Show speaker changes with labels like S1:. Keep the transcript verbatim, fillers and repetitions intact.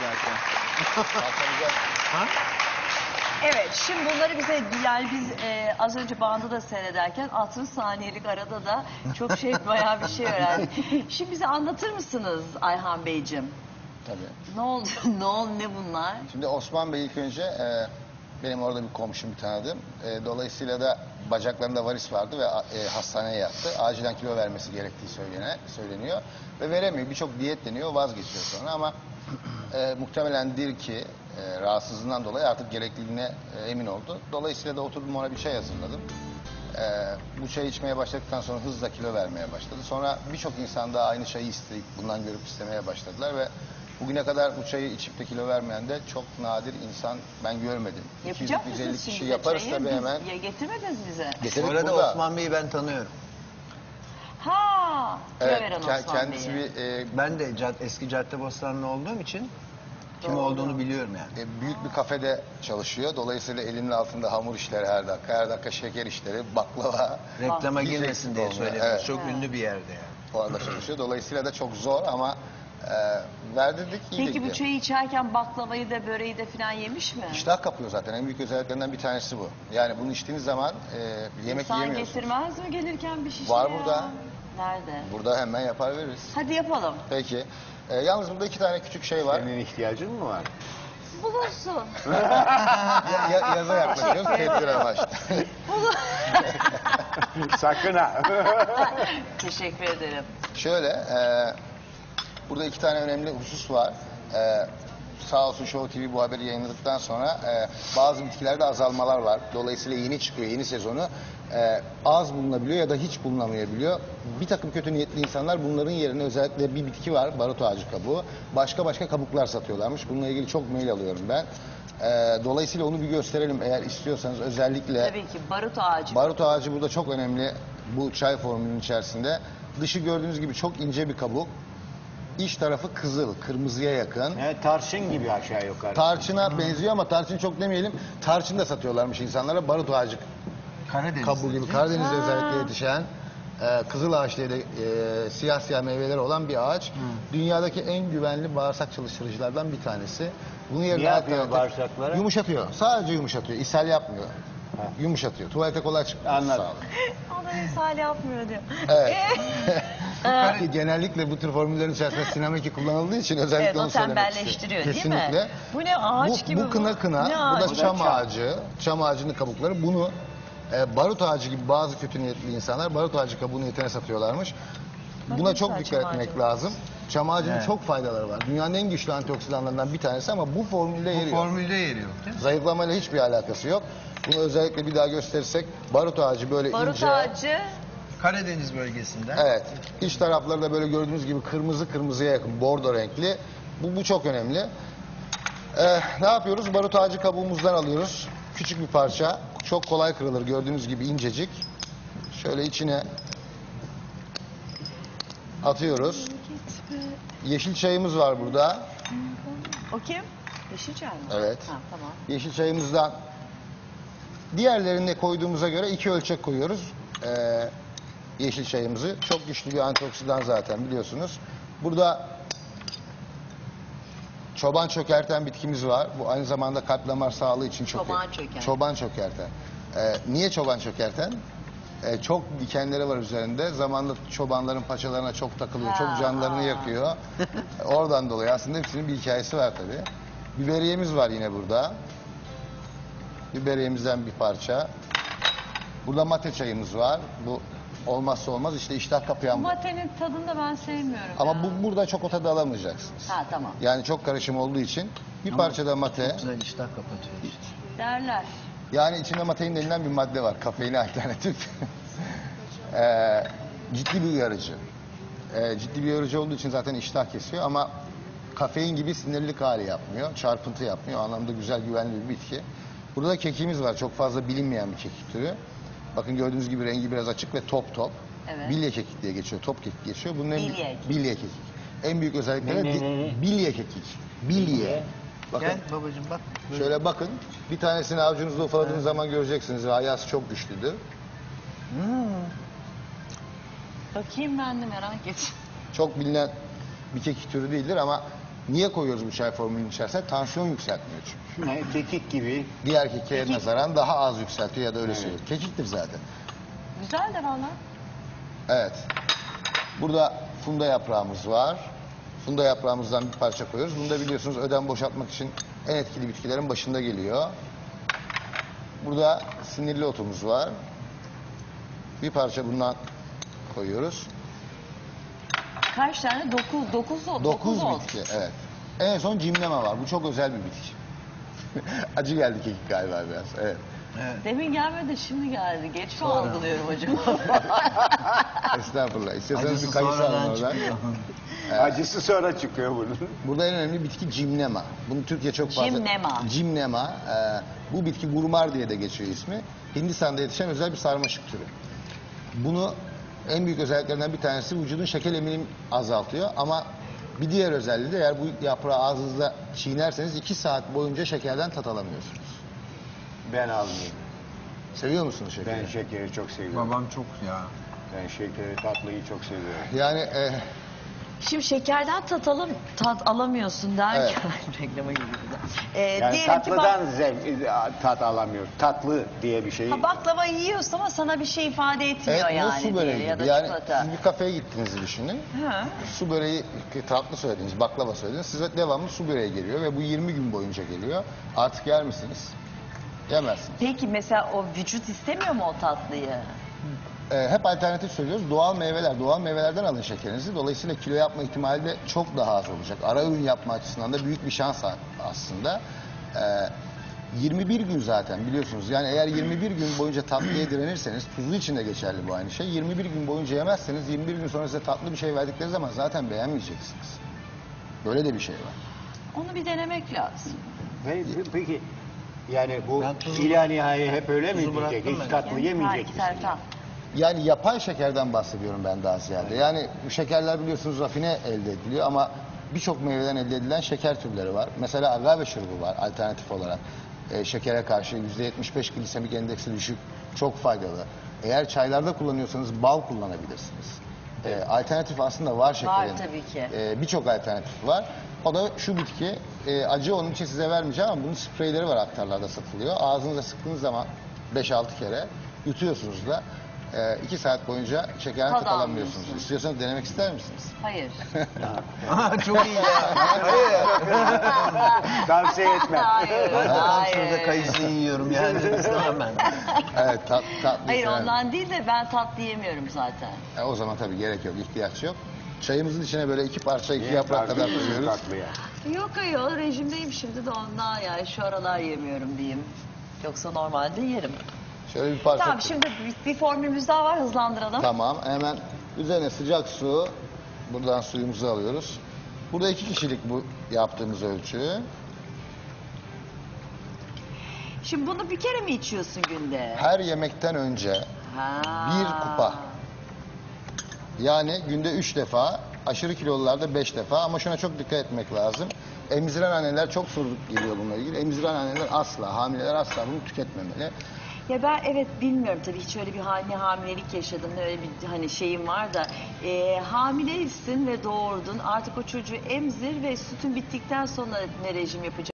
S1: zaten.
S2: Ha?
S3: Evet, şimdi bunları bize, yani biz e, az önce bandı da seyrederken altmış saniyelik arada da çok şey, bayağı bir şey öğrendik. Şimdi bize anlatır mısınız Ayhan Beyciğim?
S2: Tabii.
S3: Ne oldu, ne oldu, ne bunlar?
S2: Şimdi Osman Bey ilk önce e, benim orada bir komşum, bir tanıdığım. E, dolayısıyla da bacaklarında varis vardı ve e, hastaneye yattı. Acilen kilo vermesi gerektiği söylene, söyleniyor. Ve veremiyor. Birçok diyet deniyor, vazgeçiyor sonra ama e, muhtemelendir ki e, rahatsızlığından dolayı artık gerekliliğine e, emin oldu. Dolayısıyla da oturdum, ona bir çay hazırladım. E, bu çayı içmeye başladıktan sonra hızla kilo vermeye başladı. Sonra birçok insan da aynı çayı isteyip bundan görüp istemeye başladılar ve bugüne kadar bu çayı içip de kilo vermeyen de çok nadir insan ben görmedim.
S3: Yapacak
S2: iki yüz elli
S3: mısınız
S2: kişi
S3: şimdi
S2: yaparız
S3: çayı?
S2: tabii
S3: Biz-
S2: hemen.
S3: Ya getirmediniz bize.
S2: Getirdik
S1: Bu arada
S2: burada.
S1: Osman Bey'i ben tanıyorum.
S3: Ha, kilo
S2: Evet,
S3: veren
S2: ke-
S3: Osman
S2: kendisi
S3: Bey'i.
S2: bir e,
S1: Ben de cad eski Caddebostanlı olduğum için kim
S3: Doğru.
S1: olduğunu biliyorum yani.
S2: e, büyük bir kafede çalışıyor. Dolayısıyla elinin altında hamur işleri her dakika, her dakika şeker işleri, baklava.
S1: Reklama
S2: hiç
S1: girmesin
S2: eksik
S1: diye
S2: olmuyor.
S1: söylüyorum.
S2: Evet.
S1: Çok ünlü bir yerde yani.
S2: Orada çalışıyor. Dolayısıyla da çok zor ama e, verdirdik, iyi de
S3: Peki bu
S2: gidiyor.
S3: çayı içerken baklavayı da böreği de falan yemiş mi?
S2: İştah kapıyor zaten. En büyük özelliklerinden bir tanesi bu. Yani bunu içtiğiniz zaman e, yemek
S3: İnsan
S2: yiyemiyorsunuz.
S3: getirmez mi gelirken bir şişe
S2: Var
S3: ya?
S2: burada.
S3: Nerede?
S2: Burada hemen yapar veririz.
S3: Hadi yapalım.
S2: Peki. E, yalnız burada iki tane küçük şey var.
S4: Senin ihtiyacın mı var?
S3: Bulunsun.
S2: Ya, ya- yaza yaklaşıyoruz. Tedbir amaçlı.
S4: Sakın ha.
S3: Teşekkür ederim.
S2: Şöyle, e, burada iki tane önemli husus var. E, sağ olsun Show T V bu haberi yayınladıktan sonra e, bazı bitkilerde azalmalar var. Dolayısıyla yeni çıkıyor, yeni sezonu. E, az bulunabiliyor ya da hiç bulunamayabiliyor. Bir takım kötü niyetli insanlar bunların yerine özellikle bir bitki var, barut ağacı kabuğu. Başka başka kabuklar satıyorlarmış. Bununla ilgili çok mail alıyorum ben. E, dolayısıyla onu bir gösterelim eğer istiyorsanız, özellikle.
S3: Tabii ki barut ağacı.
S2: Barut ağacı burada çok önemli bu çay formülünün içerisinde. Dışı gördüğünüz gibi çok ince bir kabuk. İç tarafı kızıl, kırmızıya yakın.
S4: Evet, tarçın gibi aşağı yukarı.
S2: Tarçına benziyor ama tarçın çok demeyelim. Tarçın da satıyorlarmış insanlara. Barut ağacı
S1: Karadeniz.
S2: kabuğu gibi Karadeniz'de özellikle yetişen e, kızıl ağaç diye de e, siyah siyah meyveleri olan bir ağaç. Dünyadaki en güvenli bağırsak çalıştırıcılardan bir tanesi. Bunu yerine
S4: Ne yapıyor
S2: alternatif-
S4: bağırsaklara?
S2: Yumuşatıyor. Sadece yumuşatıyor. İshal yapmıyor. Yumuşatıyor. Tuvalete kolay çıkıyor.
S4: Anladım.
S2: Sağ olun.
S3: Adam misali yapmıyor diyor.
S2: Evet. Ki genellikle bu tür formüllerin içerisinde sinameki kullanıldığı için özellikle
S3: Evet, o
S2: onu söylemek
S3: tembelleştiriyor
S2: istedim.
S3: değil mi?
S2: Kesinlikle.
S3: Bu ne ağaç
S2: bu,
S3: gibi
S2: bu kına kına,
S3: Ne
S2: bu
S3: ağacı?
S2: da çam
S4: çam.
S2: ağacı, çam ağacının kabukları. Bunu e, barut ağacı gibi bazı kötü niyetli insanlar barut ağacı kabuğu niyetine satıyorlarmış. Buna
S3: Bakın
S2: çok
S3: sen
S2: dikkat
S3: çam
S2: etmek
S3: ağacı.
S2: lazım. Çam ağacının
S1: Evet.
S2: çok faydaları var. Dünyanın en güçlü antioksidanlarından bir tanesi ama bu formülde
S1: Bu
S2: yeri yok.
S1: formülde yeri yok değil mi?
S2: Zayıflamayla hiçbir alakası yok. Bunu özellikle bir daha gösterirsek barut ağacı böyle
S3: Barut
S2: ince.
S3: ağacı.
S1: Karadeniz bölgesinden.
S2: Evet. İç tarafları da böyle gördüğünüz gibi kırmızı kırmızıya yakın, bordo renkli. Bu, bu çok önemli. Ee, ne yapıyoruz? Barut ağacı kabuğumuzdan alıyoruz. Küçük bir parça. Çok kolay kırılır. Gördüğünüz gibi incecik. Şöyle içine atıyoruz. Yeşil çayımız var burada.
S3: O kim? Yeşilçay mı?
S2: Evet.
S3: Ha, tamam.
S2: Yeşil çayımızdan diğerlerine koyduğumuza göre iki ölçek koyuyoruz. Ee, yeşil çayımızı. Çok güçlü bir antioksidan zaten biliyorsunuz. Burada çoban çökerten bitkimiz var. Bu aynı zamanda kalp damar sağlığı için çok
S3: Çoban
S2: iyi.
S3: çökerten.
S2: Çoban çökerten. Ee, niye çoban çökerten? Ee, çok dikenleri var üzerinde. Zamanla çobanların paçalarına çok takılıyor.
S3: Ha,
S2: çok canlarını
S3: aa.
S2: yakıyor. Oradan dolayı aslında hepsinin bir hikayesi var tabii. Biberiyemiz var yine burada. Biberiyemizden bir parça. Burada mate çayımız var. Bu olmazsa olmaz işte iştah kapayan bu.
S3: Matenin tadını da ben sevmiyorum.
S2: Ama
S3: ya.
S2: bu burada çok o tadı alamayacaksınız.
S3: Ha tamam.
S2: Yani çok karışım olduğu için bir parça da mate.
S1: Güzel iştah kapatıyor işte.
S3: Derler.
S2: Yani içinde matein denilen bir madde var. Kafeine alternatif. Ee, ciddi bir uyarıcı. Ee, ciddi bir uyarıcı olduğu için zaten iştah kesiyor ama kafein gibi sinirlilik hali yapmıyor. Çarpıntı yapmıyor. O anlamda güzel, güvenli bir bitki. Burada da kekimiz var. Çok fazla bilinmeyen bir kekik türü. Bakın gördüğünüz gibi rengi biraz açık ve top top.
S3: Evet.
S2: Bilye kekik diye geçiyor. Top kekik geçiyor. Bunun en
S3: Bilye kekik.
S2: bilye kekik. En büyük özellikleri
S4: Ne, ne,
S2: di-
S4: ne, ne?
S2: bilye kekik. Bilye. Bakın.
S1: Gel babacığım bak.
S2: Şöyle bakın. Bir tanesini avucunuzda ufaladığınız zaman göreceksiniz. Hayası çok güçlüdür.
S3: Bakayım ben de merak ettim.
S2: Çok bilinen bir kekik türü değildir ama Niye koyuyoruz bu çay formülünün içerisine? Tansiyon yükseltmiyor çünkü.
S4: Ne, kekik gibi.
S2: Diğer kekiğe
S3: Kekik.
S2: nazaran daha az yükseltiyor ya da öyle
S4: Evet.
S2: söylüyor. Kekiktir zaten.
S3: Güzel de valla.
S2: Evet. Burada funda yaprağımız var. Funda yaprağımızdan bir parça koyuyoruz. Bunu da biliyorsunuz ödem boşaltmak için en etkili bitkilerin başında geliyor. Burada sinirli otumuz var. Bir parça bundan koyuyoruz.
S3: Kaç tane? Dokuz, dokuz, dokuz,
S2: Dokuz
S3: oldu.
S2: bitki, evet. En son cimnema var. Bu çok özel bir bitki. Acı geldi kekik galiba biraz. Evet.
S1: Evet.
S3: Demin gelmedi, şimdi geldi. Geç mi
S1: Sonra.
S3: algılıyorum acaba?
S2: Estağfurullah. İstiyorsanız
S1: Acısı
S2: bir kayısı alın
S1: sonradan
S2: oradan.
S1: çıkıyor.
S4: Acısı sonra çıkıyor bunun.
S2: Burada en önemli bitki cimnema. Bunu Türkiye çok fazla...
S3: Cimnema.
S2: Cimnema. e, bu bitki gurmar diye de geçiyor ismi. Hindistan'da yetişen özel bir sarmaşık türü. Bunu en büyük özelliklerinden bir tanesi vücudun şeker eminim azaltıyor. Ama bir diğer özelliği de eğer bu yaprağı ağzınızda çiğnerseniz iki saat boyunca şekerden tat alamıyorsunuz.
S4: Ben almayayım.
S2: Seviyor musunuz şekeri?
S4: Ben şekeri çok seviyorum.
S1: Babam çok ya.
S4: Ben şekeri, tatlıyı çok seviyorum.
S2: Yani e,
S3: Şimdi şekerden tat, alım, tat alamıyorsun derken reklama gibi bu da. Ee,
S4: Yani
S3: diyelim ki bak,
S4: tatlıdan zevk, tat alamıyor. Tatlı diye bir şey.
S3: ha, baklava yiyorsun ama sana bir şey ifade etmiyor
S2: evet, bu
S3: yani.
S2: su
S3: diye,
S2: böreği
S3: ya da
S2: gibi. Yani
S3: çikolata.
S2: siz bir kafeye gittiğinizi düşünün.
S3: Hı.
S2: Su böreği, tatlı söylediniz, baklava söylediniz. Size devamlı su böreği geliyor ve bu yirmi gün boyunca geliyor. Artık yer misiniz? Yemezsiniz.
S3: Peki mesela o vücut istemiyor mu o tatlıyı?
S2: Ee, hep alternatif söylüyoruz. Doğal meyveler, doğal meyvelerden alın şekerinizi. Dolayısıyla kilo yapma ihtimali de çok daha az olacak. Ara ürün yapma açısından da büyük bir şans aslında. Ee, yirmi bir gün zaten biliyorsunuz. Yani eğer yirmi bir gün boyunca tatlıya direnirseniz, tuzlu için de geçerli bu aynı şey. yirmi bir gün boyunca yemezseniz, yirmi bir gün sonra size tatlı bir şey verdikleri zaman zaten beğenmeyeceksiniz. Böyle de bir şey var.
S3: Onu bir denemek lazım.
S4: Ve- Peki yani bu
S1: Ben tuzu-
S4: ila nihai hep öyle mi
S1: tuzu
S4: gidecek?
S1: bıraktım
S4: Hiç
S1: ben.
S4: tatlı yemeyecek
S3: Ha,
S4: misin?
S3: taraftan.
S2: Yani yapay şekerden bahsediyorum ben daha ziyade. Yani bu şekerler biliyorsunuz rafine elde ediliyor ama birçok meyveden elde edilen şeker türleri var. Mesela agave şurubu var alternatif olarak. Ee, şekere karşı yüzde yetmiş beş glisemik endeksi düşük, çok faydalı. Eğer çaylarda kullanıyorsanız bal kullanabilirsiniz. Ee, alternatif aslında var şekerin.
S3: Var tabii ki.
S2: Ee, birçok alternatif var. O da şu bitki. Ee, acı onun için size vermeyeceğim ama bunun spreyleri var aktarlarda satılıyor. Ağzınıza sıktığınız zaman beş altı kere yutuyorsunuz da. Ee, iki saat boyunca şekerden
S3: Tad
S2: tat alamıyorsunuz.
S3: almıyorsun.
S2: İstiyorsanız denemek ister misiniz?
S3: Hayır.
S1: Aa, çok iyi ya. Hayır.
S4: Tavsiye etmem.
S3: Hayır.
S1: Ben tam
S3: hayır.
S1: şurada kayısı yiyorum yani. İstemem ben.
S2: Evet, tat, tatlı.
S3: Hayır
S2: severim.
S3: ondan değil de ben tatlı yemiyorum zaten.
S2: E, o zaman tabii gerek yok, ihtiyaç yok. Çayımızın içine böyle iki parça, iki yaprak kadar
S4: Tatlı,
S2: koyuyoruz.
S4: tatlıya.
S3: Yok ayol rejimdeyim şimdi de ondan yani şu aralar yemiyorum diyeyim. Yoksa normalde yerim.
S2: Şöyle bir parça.
S3: Tamam şimdi bir, bir formülümüz daha var hızlandıralım.
S2: Tamam, hemen üzerine sıcak su. Buradan suyumuzu alıyoruz. Burada iki kişilik bu yaptığımız ölçü.
S3: Şimdi bunu bir kere mi içiyorsun günde?
S2: Her yemekten önce
S3: Ha.
S2: bir kupa. Yani günde üç defa, aşırı kilolularda beş defa ama şuna çok dikkat etmek lazım. Emziren anneler çok soru geliyor bununla ilgili. Emziren anneler asla, hamileler asla bunu tüketmemeli.
S3: Ya ben evet bilmiyorum tabii hiç öyle bir hani hamilelik yaşadım ne öyle bir hani şeyim var da e, hamileysin ve doğurdun artık o çocuğu emzir ve sütün bittikten sonra ne rejim yapacaksın?